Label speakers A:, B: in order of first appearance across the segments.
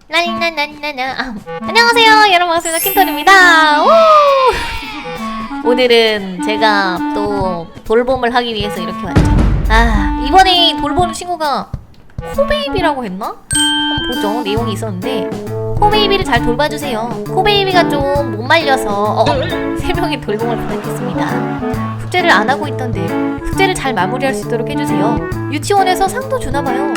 A: 나나나나나. 안녕하세요 여러분, 반갑습니다. 킴토리입니다. 오늘은 제가 또 돌봄을 하기 위해서 이렇게 왔죠. 이번에 돌보는 친구가 코베이비라고 했나? 한번 보죠. 내용이 있었는데 코베이비를 잘 돌봐주세요. 코베이비가 좀 못 말려서 3명의 돌봄을 부탁했습니다. 숙제를 안 하고 있던데 숙제를 잘 마무리할 수 있도록 해주세요. 유치원에서 상도 주나봐요.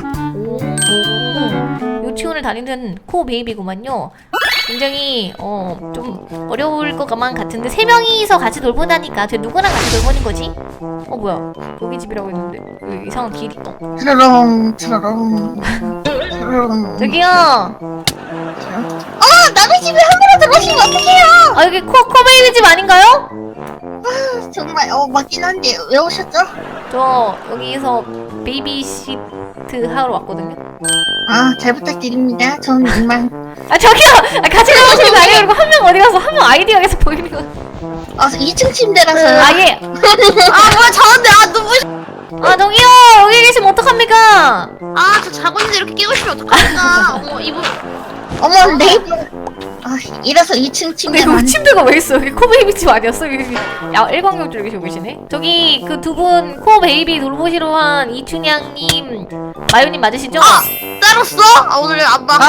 A: 유치원을 다니는 코베이비구만요. 굉장히 좀 어려울 것만 같은데 3명이서 같이 돌보다니까 쟤 누구랑 같이 돌보는 거지? 뭐야, 여기 집이라고 했는데 여기 이상한 길이 있다.
B: 트라롱 트라롱 트라롱.
A: 저기요.
B: 남의 집에 함부로 들어오시면 어떡해요?
A: 여기 코베이비 집 아닌가요?
B: 정말 맞긴 한데 왜 오셨죠?
A: 저 여기서 베이비시트 하러 왔거든요.
B: 잘 부탁드립니다. 저는 이만
A: 저기요! 같이 가보시는 거 아니에요? 그리고 한 명 어디 가서 한 명 아이디가 계속 보이는 거.
B: 2층 침대라서.
A: 예.
B: 뭐야 저한테 너무.
A: 저기요! 여기 계시면 어떡합니까?
C: 저 자고 있는데 이렇게 깨우시면 어떡합니까? 이분.
B: 어머 네이버. 이래서 2층
A: 근데
B: 침대만.
A: 여기 침대가 왜 있어? 여기 코베이비 집 아니었어? 여기 일광욕 계시고 계시네? 저기 그 두 분 코베이비 돌보시러 한 이춘향님, 마요님 맞으시죠?
C: 따랐어? 오늘 안 봐.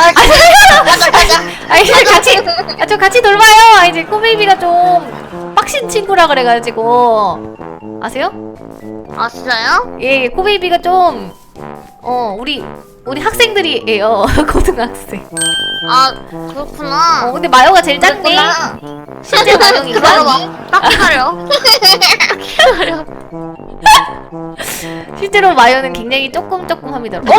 A: 저 같이 돌봐요. 이제 코베이비가 좀 빡신 친구라 그래가지고. 아세요?
C: 진짜요?
A: 예, 코베이비가 좀 우리 학생들이에요. 고등학생.
C: 그렇구나.
A: 근데 마요가 제일 작네. 실제 마요인가?
C: 딱히 가려.
A: 실제로 마요는 굉장히 조금합니다.
B: 오!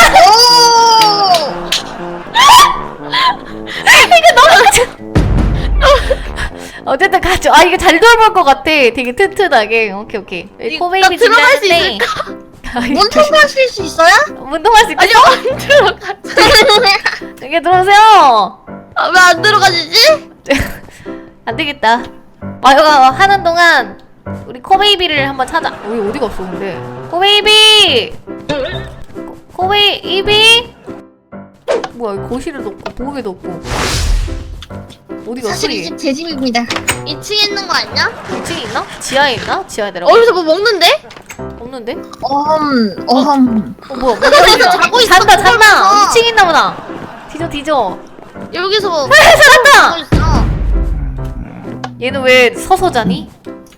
A: 이거 너무 어쨌든 가죠. 이거 잘 돌볼 것 같아. 되게 튼튼하게. 오케이. 코베이비
C: 들어갈 수
A: 집인데
B: 문 통과하실 수 있어요?
A: 문 통할 수 있어?
C: 아니요, 안 들어가.
A: 여기 들어오세요.
C: 왜 안 들어가지지?
A: 안 되겠다. 마요가 하는 동안 우리 코베이비를 한번 찾아. 어디 갔어 근데? 코베이비! 코베이비? 뭐야, 여기 거실에도 없고 보호개도 없고. 어디 갔어?
B: 사실 이 집 제 집입니다.
C: 2층에 있는 거 아니야?
A: 2층에 있나? 지하에 있나? 지하에 내려가.
C: 여기서 뭐 먹는데?
A: 없는데?
B: 뭐야
C: 여기서 자고 있어.
A: 잔다.
C: 어.
A: 2층에 있나 보다. 뒤져.
C: 여기서 뭐
A: 살았다!
C: 자고 있어.
A: 얘는 왜 서서 자니?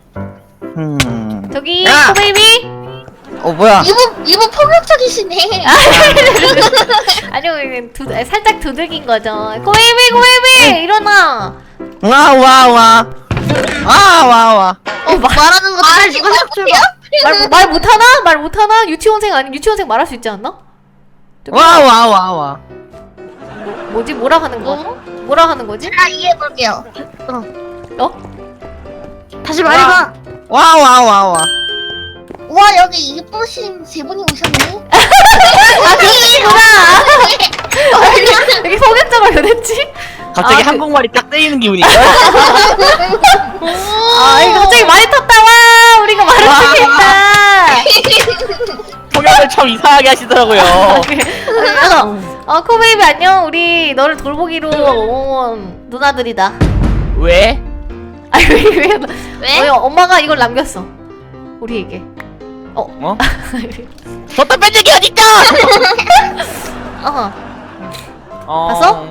A: 저기
D: 야!
A: 코베이비?
D: 뭐야?
B: 이분 폭력적이시네.
A: 아니요, 살짝 두들긴 거죠. 코베이비 일어나.
D: 와.
C: 말하는 거 다 지금
A: 말 못하나? 말 못하나? 유치원생 아니 유치원생 말할 수 있지 않나?
D: 와.
A: 뭐지? 뭐라 하는 거? 뭐라 하는 거지?
B: 제가 이해해볼게요.
C: 다시 말해봐.
D: 와.
B: 와 여기 이쁘신 세 분이 오셨네.
A: 그이구나. 여기 성격적으로 변했지?
D: 갑자기 한국말이 딱 때리는 기분이야.
A: 이거 갑자기 말이 탔다와. 우리가 말을 못했다.
D: 통역을 참 이상하게 하시더라고요.
A: 코베이비 안녕. 우리 너를 돌보기로 온 누나들이다.
D: 왜?
A: 왜? 엄마가 이걸 남겼어. 우리에게.
D: 줬다 뺀 적이 어딨다!
A: 봤어?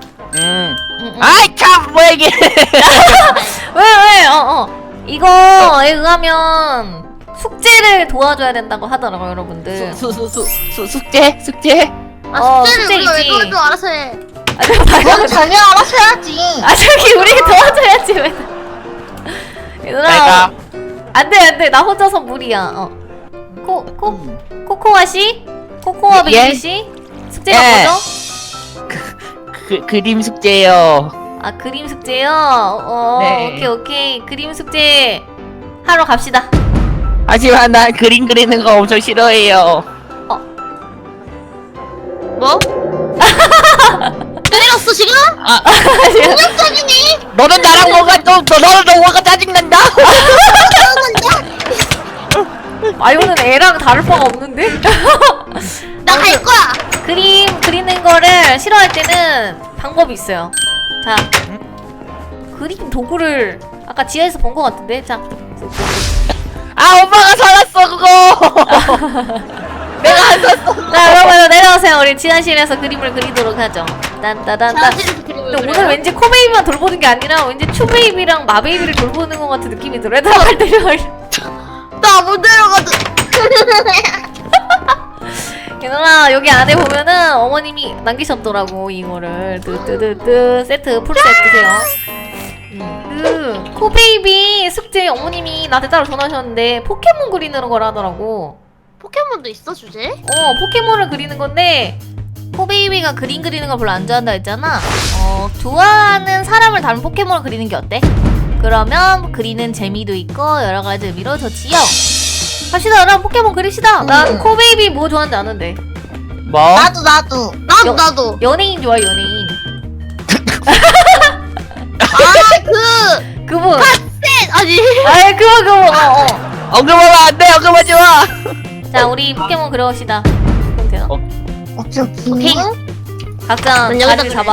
D: 아이 참 뭐야 이게.
A: 왜? 이거에 의하면 숙제를 도와줘야 된다고 하더라고요, 여러분들.
D: 숙제?
C: 숙제를 우리가 왜
A: 숙제이지.
C: 도와줘? 알아서 해.
B: 그럼 자기 알아서 해야지.
A: 저기 우리 도와줘야지 왜? 얘들아,
D: 내가
A: 안돼, 나 혼자서 무리야. 코코아 씨, 코코아
D: 예?
A: 베이비 씨, 숙제가
D: 예.
A: 뭐죠?
D: 그림 숙제요.
A: 그림 숙제요.
D: 네.
A: 오케이. 그림 숙제 하러 갑시다.
D: 하지만 난 그림 그리는 거 엄청 싫어해요.
C: 뭐? 때렸어 지금?
B: 폭력적이네.
D: 너는 나랑 너는 뭐가 짜증난다.
A: 마요는 애랑 다를 바가 없는데?
C: 나 갈 거야.
A: 그림 그리는 거를 싫어할 때는 방법이 있어요. 자, 그림 도구를 아까 지하에서 본 거 같은데. 자,
D: 아 엄마가 살았어 그거. 내가 안 샀어.
A: 자 여러분 내려오세요. 우리 지하실에서 그림을 그리도록 하죠. 딴따단따. 근데 오늘 왠지 코베이비만 돌보는 게 아니라 왠지 추베이비랑 마베이비를 돌보는 것 같은 느낌이 들어요. 들어갈 때를.
C: 나못 내려가도.
A: 얘들아 여기 안에 보면은 어머님이 남기셨더라고 이거를. 뜨뜨뜨뜨 세트 풀 세트세요. 그 코베이비 숙제 어머님이 나한테 따로 전화하셨는데 포켓몬 그리는 걸 하더라고.
C: 포켓몬도 있어 주제?
A: 포켓몬을 그리는 건데 코베이비가 그림 그리는 걸 별로 안 좋아한다 했잖아. 좋아하는 사람을 닮은 포켓몬을 그리는 게 어때? 그러면 그리는 재미도 있고 여러 가지 의미로 좋지요. 갑시다. 그럼 포켓몬 그립시다. 난 코베이비 뭐 좋아하는지 아는데.
D: 뭐?
C: 나도.
A: 연예인 좋아 연예인. 그분.
C: 아니.
A: 아이 그거.
D: 언급하면 안 돼. 언급하지 마.
A: 자 우리 포켓몬 그려봅시다. 그럼 되나?
B: 오케이.
A: 각자
C: 난 여기다
A: 자리를 잡아.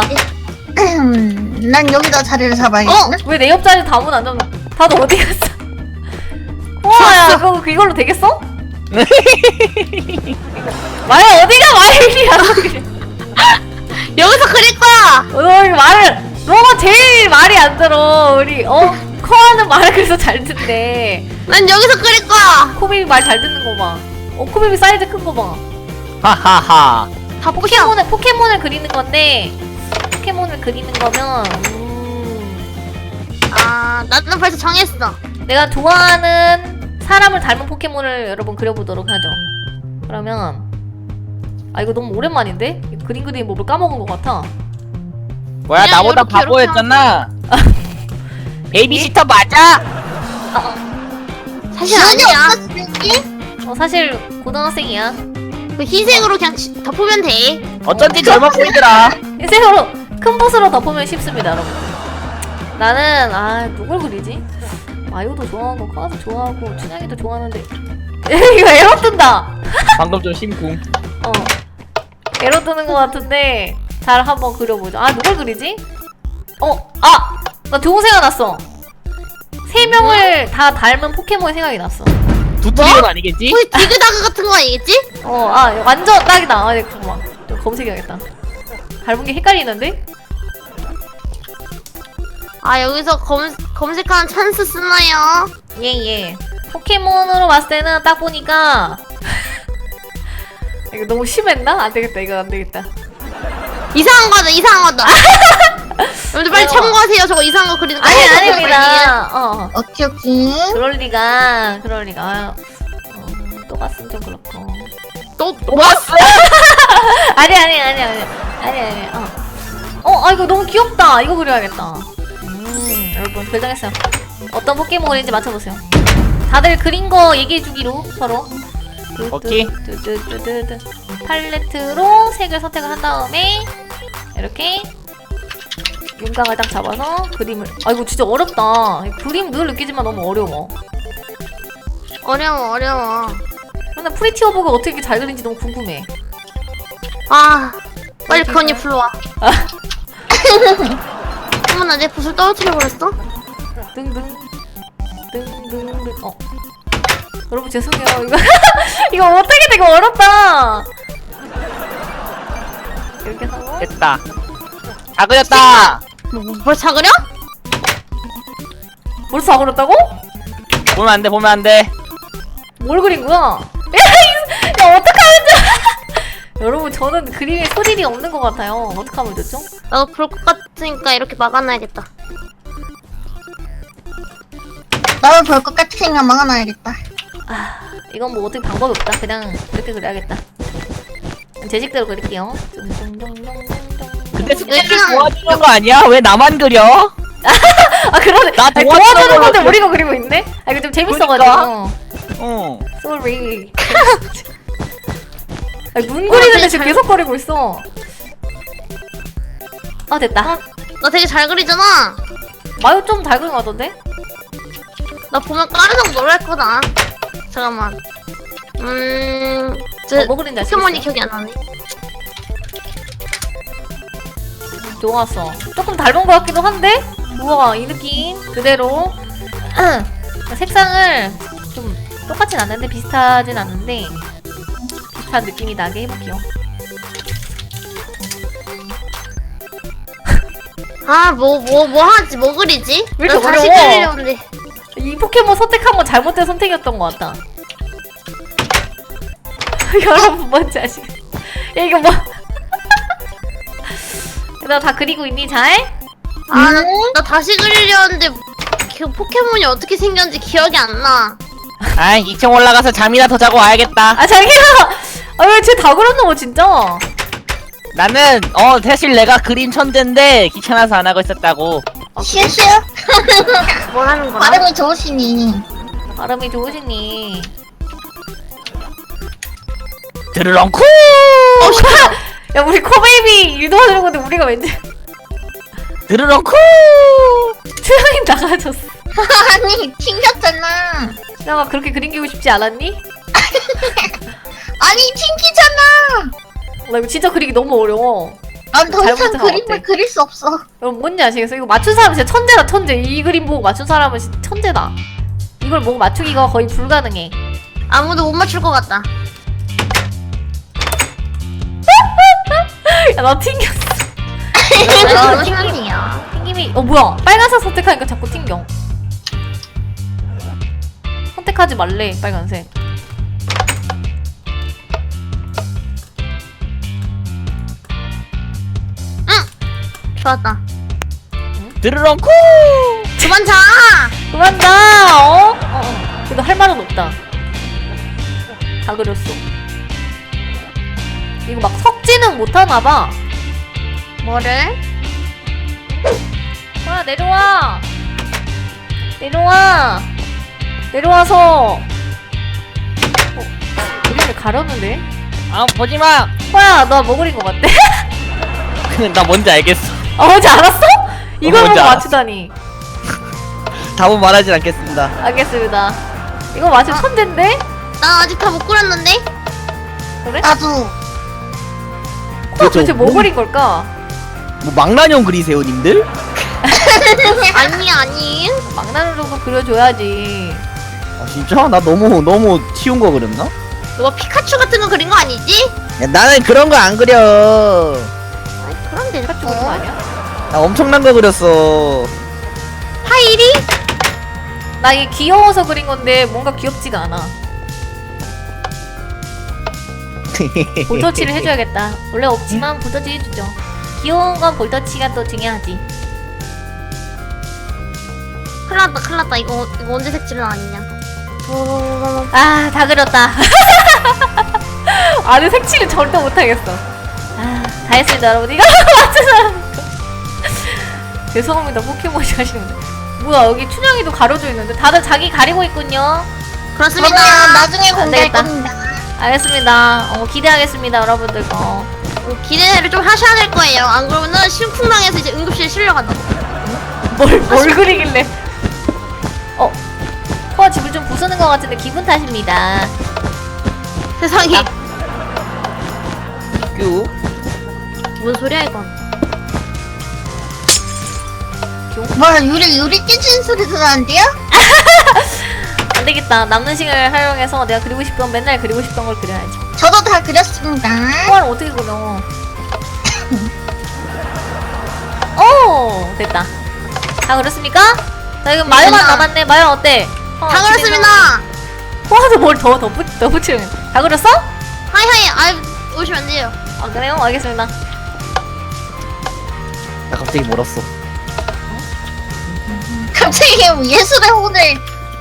B: 난 여기다 자리를 잡아야겠네.
A: 왜 내 옆자리 다문 안 잡나? 다들 어디 갔어? 우와야 그거 이걸로 되겠어? 마야 어디가 마일이야?
C: 여기서 그릴 거야.
A: 너가 제일 말이 안 들어. 우리 커하는 말을 그래서 잘 듣네.
C: 난 여기서 그릴 거야.
A: 코베이비 말 잘 듣는 거 봐. 코베이비 사이즈 큰 거 봐.
D: 하하하.
C: 다
A: 포켓몬을 그리는 건데 포켓몬을 그리는 거면
C: 나는 벌써 정했어.
A: 내가 좋아하는 사람을 닮은 포켓몬을 여러분 그려보도록 하죠. 그러면 이거 너무 오랜만인데? 그림 그리는 법을 까먹은 것 같아.
D: 뭐야
C: 그냥
D: 나보다
C: 요렇게,
D: 바보였잖아. 베이비시터 맞아?
C: 사실 아니야.
A: 사실 고등학생이야.
C: 그 흰색으로 그냥 덮으면 돼.
D: 어쩐지 젊어 보이더라.
A: 흰색으로 큰 붓으로 덮으면 쉽습니다 여러분. 나는 누굴 그리지? 마요도 좋아하고 카도 좋아하고 춘향이도 좋아하는데 이거 에러 뜬다.
D: 방금 좀 심쿵.
A: 에러 뜨는 것 같은데 잘 한번 그려보죠. 누굴 그리지? 나 좋은 생각 났어. 3명을 다 닮은 포켓몬이 생각이 났어.
D: 두트리온 아니겠지?
C: 혹시 디그다그 같은 거 아니겠지?
A: 완전 딱이다. 잠깐만 좀 검색해야겠다. 닮은 게 헷갈리는데?
C: 여기서 검색하는 찬스 쓰나요?
A: 예. 포켓몬으로 봤을 때는 딱 보니까 이거 너무 심했나? 안 되겠다. 이거 안 되겠다.
C: 이상한 거다. 여러분들 빨리 참고하세요. 저거 이상한 거 그리는 거.
A: 아닙니다.
B: 오케이.
A: 그럴 리가. 또 갔으면 좀 그렇고.
C: 또
D: 왔어?
A: 아니. 이거 너무 귀엽다. 이거 그려야겠다. 여러분 결정했어요. 어떤 포켓몬인지 맞춰보세요. 다들 그린 거 얘기해주기로 서로.
D: 오케이.
A: 팔레트로 색을 선택을 한 다음에 이렇게 윤곽을 딱 잡아서 그림을. 이거 진짜 어렵다. 그림 늘 느끼지만 너무 어려워.
C: 어려워.
A: 근데 프리티어버가 어떻게 이렇게 잘 그린지 너무 궁금해.
C: 빨리 그 언니 불러와. 어머나 내 붓을 떨어뜨려버렸어?
A: 등등. 여러분 죄송해요. 이거 어떻게 되게 어렵다. 이렇게 하고
D: 됐다. 다 그렸다.
C: 뭘 사그려?
A: 벌써 다 그렸다고?
D: 보면 안 돼.
A: 뭘 그린 거야? 야 어떡하면 여러분 저는 그림에 소질이 없는 것 같아요. 어떡하면 좋죠?
C: 나도 볼 것 같으니까 이렇게 막아놔야겠다.
B: 나도 볼 것 같으니까 막아놔야겠다.
A: 이건 뭐 어떻게 방법이 없다. 그냥 이렇게 그려야겠다. 제 식대로 그릴게요.
D: 근데 숙제를
C: 그냥-
D: 도와주는 거 아니야? 왜 나만 그려?
A: 그러네.
D: 나
A: 도와주는 건데
D: 걸로
A: 우리가 그리고 있네? 이거 좀 재밌어가지고. sorry. 눈 그리는데 지금 계속 거리고 있어. 됐다.
C: 나 되게 잘 그리잖아.
A: 마요 좀 잘 그린 것 같던데?
C: 나 보면 까르륵 놀랄 거다. 잠깐만.
A: 뭐 그린지 알수
C: 포켓몬이
A: 있어요?
C: 기억이 안 나네.
A: 좋았어. 조금 닮은 것 같기도 한데? 우와, 이 느낌 그대로. 색상을 좀 똑같진 않는데, 비슷하진 않는데 비슷한 느낌이 나게 해볼게요.
C: 아, 뭐 하지? 뭐 그리지?
A: 왜 이렇게
C: 나 다시
A: 어려워?
C: 그리려는데.
A: 이 포켓몬 선택한 건 잘못된 선택이었던 것 같다. 여러분 뭔지 아시겠어? 야, 이거 뭐? 너 다 그리고 있니 잘?
C: 아, 나 다시 그리려는데 그 포켓몬이 어떻게 생겼는지 기억이 안 나.
D: 아 2층 올라가서 잠이나 더 자고 와야겠다.
A: 아 자기야! 아 왜 쟤 다 그렸노 진짜?
D: 나는 사실 내가 그림 천재인데 귀찮아서 안 하고 있었다고.
B: 슈슈.
C: 뭘 하는 거야?
B: 발음이 좋으시니.
A: 발음이 좋으시니.
D: 드르렁쿠.
A: 야 우리 코베이비 유도하는 건데 우리가 왠지
D: 드르렁쿠.
A: 수영이 나가졌어.
B: 아니 튕겼잖아.
A: 수영아 그렇게 그리고 싶지 않았니?
B: 아니 튕기잖아.
A: 나 이거 진짜 그리기 너무 어려워.
B: 난 더 이상
A: 잘못해서
B: 그림을
A: 어때?
B: 그릴 수 없어.
A: 여러분 뭔지 아시겠어요? 이거 맞춘 사람은 진짜 천재다 천재. 이 그림 보고 맞춘 사람은 진짜 천재다. 이걸 보고 맞추기가 거의 불가능해.
C: 아무도 못 맞출 것 같다.
A: 야 나 튕겼어.
C: 너무 심하네요.
A: 튕김이 뭐야 빨간색 선택하니까 자꾸 튕겨. 선택하지 말래 빨간색.
C: 좋았다.
D: 드르렁쿠.
C: 그만 자!
A: 그만 자. 어? 그래도 할 말은 없다. 다 그렸어. 이거 막 섞지는 못하나봐.
C: 뭐를?
A: 와 내려와. 내려와. 내려와서 그림을 가렸는데?
D: 아 보지마.
A: 호야 너 뭐 그린 거 같대?
D: 나 뭔지 알겠어.
A: 아 뭔지 알았어? 이걸
D: 뭔지
A: 보고
D: 알았어.
A: 맞추다니.
D: 답은 말하진 않겠습니다.
A: 알겠습니다. 이거 맞추 천재인데?
C: 난 아직 다 못 그렸는데?
A: 그래?
B: 나도.
A: 호야 도대체 뭐 그린 걸까?
D: 뭐 망나뇽 그리세요 님들?
C: 아니.
A: 망나뇽 좀 그려줘야지.
D: 아 진짜? 나 너무 쉬운 거 그렸나?
C: 너가 피카츄 같은 거 그린 거 아니지?
D: 야, 나는 그런 거 안 그려.
C: 아이, 그럼 돼.
A: 피카츄 그린 거 아니야?
D: 나 엄청난 거 그렸어.
C: 파이리?
A: 나 이게 귀여워서 그린 건데 뭔가 귀엽지가 않아. 볼터치를 해줘야겠다. 원래 없지만 볼터치 해주죠. 귀여운 건 볼터치가 또 중요하지.
C: 큰일 났다. 이거 언제 색칠을 아니냐.
A: 아, 다 그렸다. 아니, 색칠은 절대 못하겠어. 아, 다 했습니다, 여러분. 이거 맞춘 사람. 죄송합니다, 포켓몬이 하시는데. 뭐야, 여기 춘향이도 가려져 있는데. 다들 자기 가리고 있군요.
C: 그렇습니다.
B: 그러면 나중에
A: 안
B: 공개할
A: 되겠다.
B: 겁니다.
A: 알겠습니다. 기대하겠습니다, 여러분들 거.
C: 기대를 좀 하셔야 될 거예요. 안 그러면은 심쿵당해서 이제 응급실에 실려간다.
A: 뭘 그리길래. 코가 집을 좀 부수는 것 같은데 기분 탓입니다.
C: 세상에.
D: 뀨.
C: 뭔 소리야 이건.
B: 뭐야 유리 깨지는 소리 들었는데요?
A: 안 되겠다. 남는 시간을 활용해서 내가 그리고 싶던 맨날 그리고 싶던 걸 그려야지.
B: 저도 다 그렸습니다.
A: 코를 어떻게 그려? 오 됐다. 다 그렸습니까? 자 지금 마요만
B: 됐나?
A: 남았네. 마요 어때?
C: 다 그렇습니다.
A: 코한테 뭘 더 붙이면 다 그렸어?
C: 하이하이. 아 오시면 안 돼요.
A: 아 그래요? 알겠습니다.
D: 나 갑자기 멀었어.
B: 갑자기 예술의 혼을.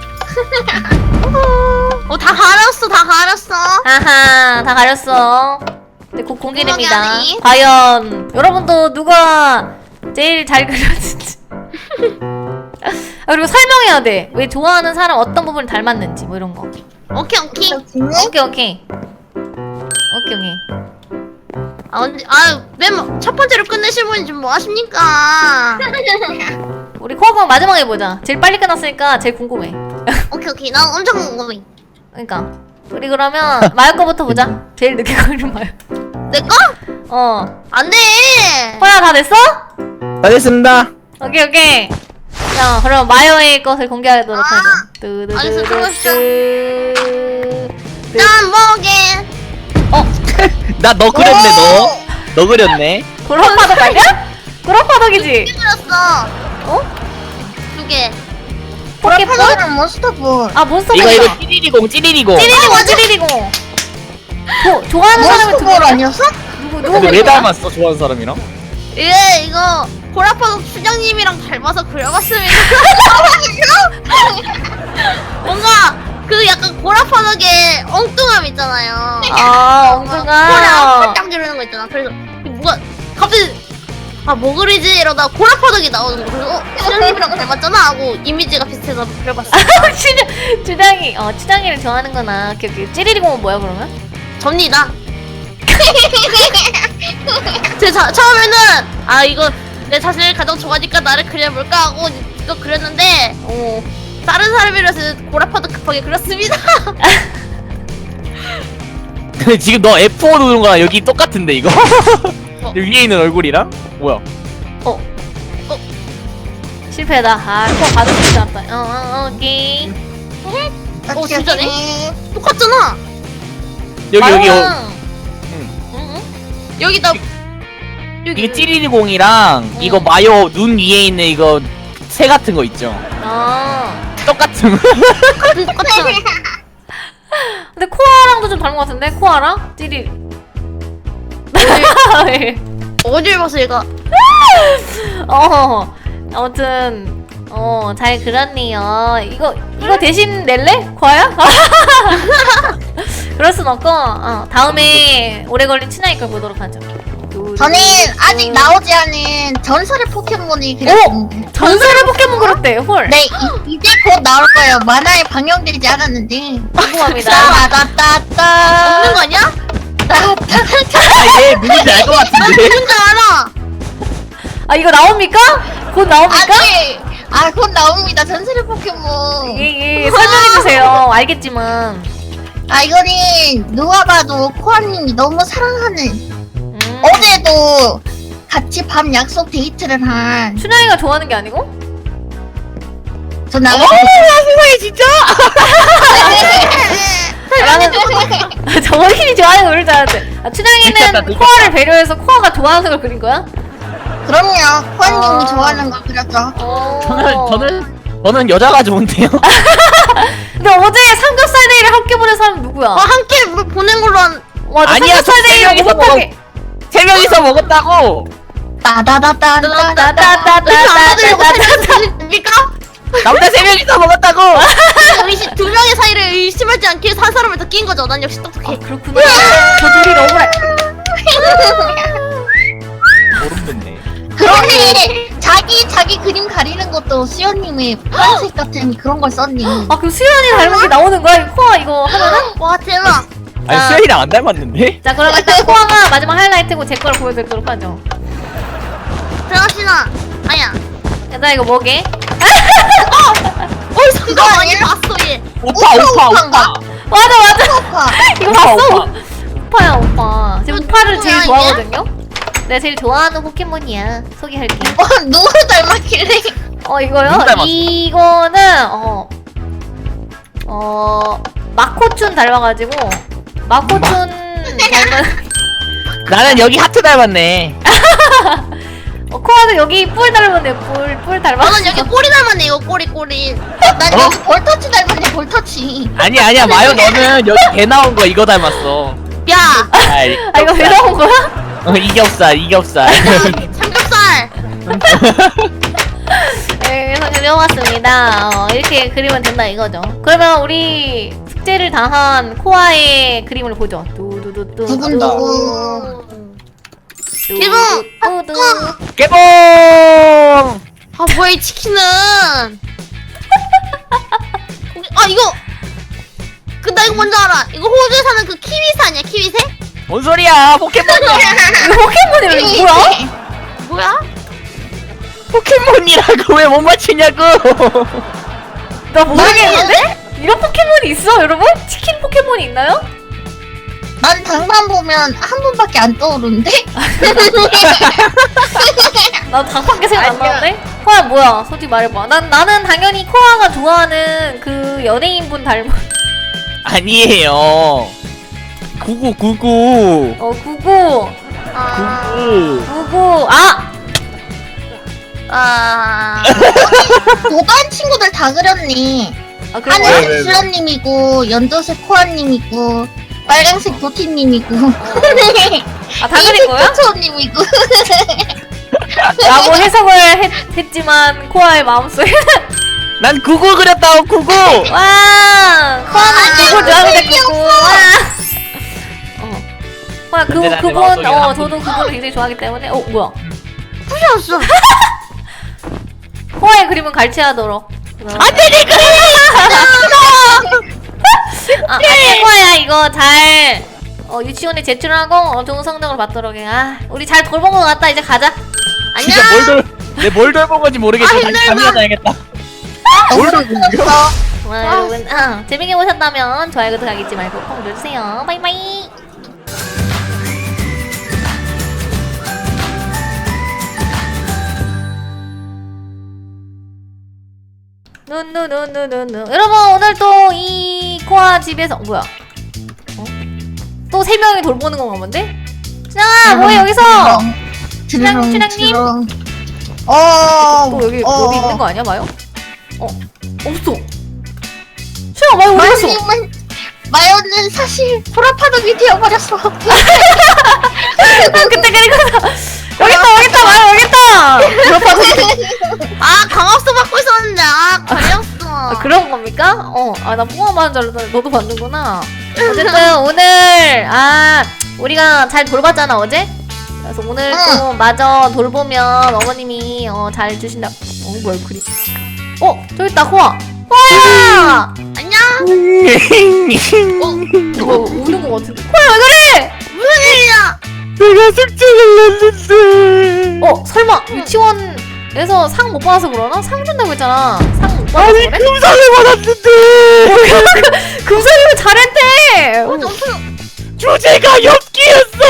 C: 다 가렸어.
A: 아하 다 가렸어. 네, 곧 공개됩니다.
C: 궁금하게 하네.
A: 과연 여러분도 누가 제일 잘 그렸는지. 아, 그리고 설명해야 돼. 왜 좋아하는 사람 어떤 부분을 닮았는지 뭐 이런 거.
C: 오케이.
A: 오케이.
C: 아 언제 맨 첫 번째로 끝내실 분이 좀 뭐 하십니까?
A: 우리 코어방 마지막에 보자. 제일 빨리 끝났으니까 제일 궁금해.
C: 오케이. 난 엄청 궁금해.
A: 그러니까 우리 그러면 마요 거부터 보자. 제일 늦게 걸린 마요.
C: 내 거? 안 돼.
A: 호야 다 됐어?
D: 다 됐습니다.
A: 오케이. 자, 그럼 마요의 것을 공개하도록 하죠.
C: 알겠어, 들어가시죠.
A: 뚜두두뚜.
C: 난 뭐게?
D: 나 너 그렸네 너 그렸네.
A: 구렁파덕 아니야? 구렁파덕이지?
C: 그렸어.
A: 어?
C: 2개.
A: 포켓볼?
B: 포켓몬은 몬스터볼.
A: 아 몬스터
D: 이거
A: 몬스터.
D: 찌리리공.
A: 찌리리고. 좋아하는 사람이 두
B: 몬스터볼
A: 개야?
B: 아니었어?
A: 누구
D: 근데 왜
A: 그린 거야?
D: 닮았어 좋아하는 사람이랑?
C: 이거 고라파도 수장님이랑 닮아서 그려봤습니다. 뭔가 그 약간 고라파덕의 엉뚱함 있잖아요.
A: 아
C: 코를
A: 엉뚱아.
C: 딱 지르는 거 있잖아. 그래서 뭐가 갑자기 뭐 그리지 이러다 고라파덕이 나오는 거. 그래서 수장님이랑 닮았잖아 하고 이미지가 비슷해서 그려봤어.
A: 추장이를 좋아하는구나. 오케이. 찌리리공은 뭐야 그러면?
C: 접니다. 처음에는 이거 내 자신을 가장 좋아하니까 나를 그려볼까 하고 이거 그렸는데
A: 오.
C: 다른 사람이라서 고라파도 급하게 그렸습니다.
D: 근데 지금 너 F5 누르는 거랑 여기 똑같은데 이거? 여기 위에 있는 얼굴이랑? 뭐야?
A: 실패다. 코 받을 수 있었다. 오케이.
C: 진짜네? 똑같잖아.
D: 여기
A: 응.
C: 여기 나
D: 이게 찌리리공이랑 이거 마요 눈 위에 있는 이거 새 같은 거 있죠?
A: 아.
D: 똑같은
C: 똑같잖아.
A: 근데 코아랑도 좀 닮은 것 같은데? 코아랑? 찌리.
C: 어딜 봐서 얘가
A: 아무튼 잘 그렸네요. 이거 대신 낼래? 코아야? 그럴 순 없고 다음에 오래 걸린 친아이 걸 보도록 하죠.
B: 저는 아직 나오지 않은 전설의 포켓몬이 그렸는데.
A: 전설의 포켓몬 그렸대. 헐.
B: 네, 이제 곧 나올 거예요. 만화에 방영되지 않았는데.
A: 궁금합니다.
B: 따따따따.
C: 없는 거 아니야?
D: 얘 누군지 알 것 같은데?
C: 누군지 알아.
A: 이거 나옵니까? 곧 나옵니까?
B: 아직 곧 나옵니다. 전설의 포켓몬.
A: 예, 설명해주세요. 알겠지만.
B: 이거는 누가 봐도 코아님이 너무 사랑하는. 어제도 같이 밤 약속 데이트를 한.
A: 춘향이가 좋아하는 게 아니고?
B: 저 나가.
D: 세상에 진짜?
A: 나는 정원님이 좋아하는 걸 그릴 줄 알았는데. 춘향이는 코아를 배려해서 코아가 좋아하는 걸 그린 거야?
B: 그럼요. 코아님이 좋아하는 걸 그렸죠.
D: 저는 여자가 좋은데요?
A: 근데 어제 삼겹살 데이를 함께 보낸 사람 누구야?
C: 함께 보낸 걸로 한
A: 와, 나
D: 아니야,
A: 삼겹살
D: 저
A: 데이를
D: 세 명이서
A: 못하게.
D: 3명이서 먹었다고!
C: 됩니까?
D: 남자 3명이서 먹었다고!
C: 의심 2명의 사이를 의심하지 않기 위해서 한 사람을 더 낀 거죠. 난 역시 똑똑해.
A: 그렇구나. 저 둘이 너무래.
D: 모르겠네.
B: 그러네. 자기 그림 가리는 것도 수연님의 파란색 같은 그런 걸 썼니?
A: 그럼 수연이 닮은 게 나오는 거야? 이 코아 이거 하면은?
C: 와 대박.
D: 아니
A: 자.
D: 수현이랑 안 닮았는데?
A: 자, 그럼 일단 코아가 마지막 하이라이트고 제 거를 보여드리도록 하죠.
C: 들어갑시다. 아야.
A: 일단 이거 뭐게?
C: 그거 많이 봤어 얘.
D: 오빠.
A: 맞아.
B: 오빠.
A: 이거
D: 오빠,
A: 봤어?
D: 오빠.
A: 오빠야, 오빠. 제가 오빠를 제일
C: 누구야,
A: 좋아하거든요? 내가 제일 좋아하는 포켓몬이야. 소개할게.
B: 누구 닮았길래?
A: 이거요?
D: 누구 닮았어?
A: 이거는 마코춘 닮아가지고 마코춘 닮은
D: 나는 여기 하트 닮았네.
A: 코아도 여기 뿔 닮았네. 뿔 닮았어.
C: 너는 여기 꼬리 닮았네. 이거 꼬리.
B: 난 여기 볼터치 닮았네. 볼터치.
D: 아니야 마요 너는 여기 개 나온 거 이거 닮았어.
C: 야.
A: 이거 왜 나온 거야?
D: 이겹살.
C: 삼겹살.
A: 네, 그래서 그려봤습니다. 이렇게 그리면 된다 이거죠. 그러면 우리 숙제를 다한 코아의 그림을 보죠. 두두두두.
B: 두근두근.
A: 두두두.
D: 개봉.
C: 뭐야 이 치킨은. 이거. 나 이거 뭔지 알아. 이거 호주에 사는 그 키위새 아니야? 키위새?
D: 뭔 소리야? 포켓몬이야.
A: 이거 포켓몬이 뭐야?
C: 뭐야?
D: 포켓몬이라고 왜 못 맞추냐고.
A: 나 모르겠는데? 이런 포켓몬이 있어 여러분? 치킨 포켓몬이 있나요?
B: 난 장난 보면 한 분밖에 안 떠오르는데?
A: 나 장판게 생각 안
B: 아니야.
A: 나는데? 코아 뭐야? 솔직히 말해봐. 나는 당연히 코아가 좋아하는 그 연예인분 닮은.
D: 아니에요. 9999.
A: 99.
C: 아,
A: 99.
B: 도반 친구들 다 그렸네.
A: 아 그런 거야?
B: 하늘색 수연님이고 연두색 코아님이고 빨간색 도티님이고
A: 아 다 그린 거야?
B: 초초님이고
A: 라고 해석을 했지만 코아의 마음속에
D: 난 99 그렸다고 99.
A: 와 코아는
B: 아니야,
A: 그거 좋아합니다
B: 의미
A: 그거 코아
D: 근데 나는
A: 그분
D: 마음속에 한
A: 저도 그분을 굉장히 좋아하기 때문에 뭐야
C: 부셨어.
A: 코아의 그림은 갈치하도록
D: 안돼 내 그림.
A: 안돼 코아야 이거 잘 유치원에 제출하고 좋은 성적을 받도록 해. 우리 잘 돌본 것 같다. 이제 가자.
D: 진짜 뭘 돌본 건지 모르겠어. 다시 잠이나 자야겠다. 뭘 돌본 거야?
A: 여러분 재밌게 보셨다면 좋아요 구독하기 잊지 말고 꼭 눌러주세요. 바이바이. 누누누누누누 여러분 오늘 또 이 코아 집에서 뭐야? 또 3명이 돌보는 건가 본데? 신영아 뭐해 여기서? 춘향님? 또 여기 있는 거 아니야 마요? 없어. 신영아 마요 어디 갔어?
B: 마요님은 마요는 사실 보라파덕이 되어버렸어.
A: 그때 그리고 여기 있다 마요 여기 있다.
C: 아, 강압수 받고 있었는데, 걸렸어.
A: 그런 겁니까? 나 뽕아 받은 줄 알았는데 너도 받는구나. 어쨌든 오늘 우리가 잘 돌봤잖아 어제. 그래서 오늘 또 마저 돌보면 어머님이 잘 주신다. 뭐야 그림? 저기 있다 코아. 코아야.
C: 안녕?
A: 이거 우는 거 같은데. 코아 왜 그래?
C: 무슨 일이야?
D: 내가 숙제를 냈는데.
A: 설마 유치원에서 상 못 받아서 그러나? 상 준다고 했잖아. 상 못 받아서
D: 아니
A: 그래?
D: 금상을 받았는데.
A: 금사님은 잘했대.
D: 주제가 엽기였어.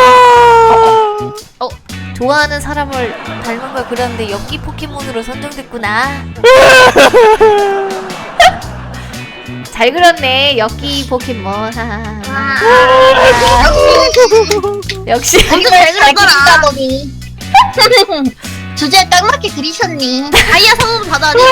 A: 좋아하는 사람을 닮은 걸 그렸는데 엽기 포켓몬으로 선정됐구나. 잘 그렸네 엽기 포켓몬. 역시
B: 완전 잘 그렸더라. 주제에 딱 맞게 그리셨니?
C: 다이아 성분 받아야 돼.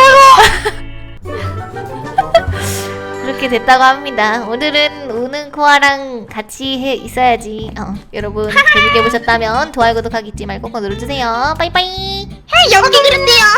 A: 그렇게 됐다고 합니다. 오늘은 우는 코아랑 같이 있어야지. 여러분 재밌게 보셨다면 좋아요 구독하기 잊지 말고 꼭 눌러주세요. 빠이빠이.
B: 연기 그린대요.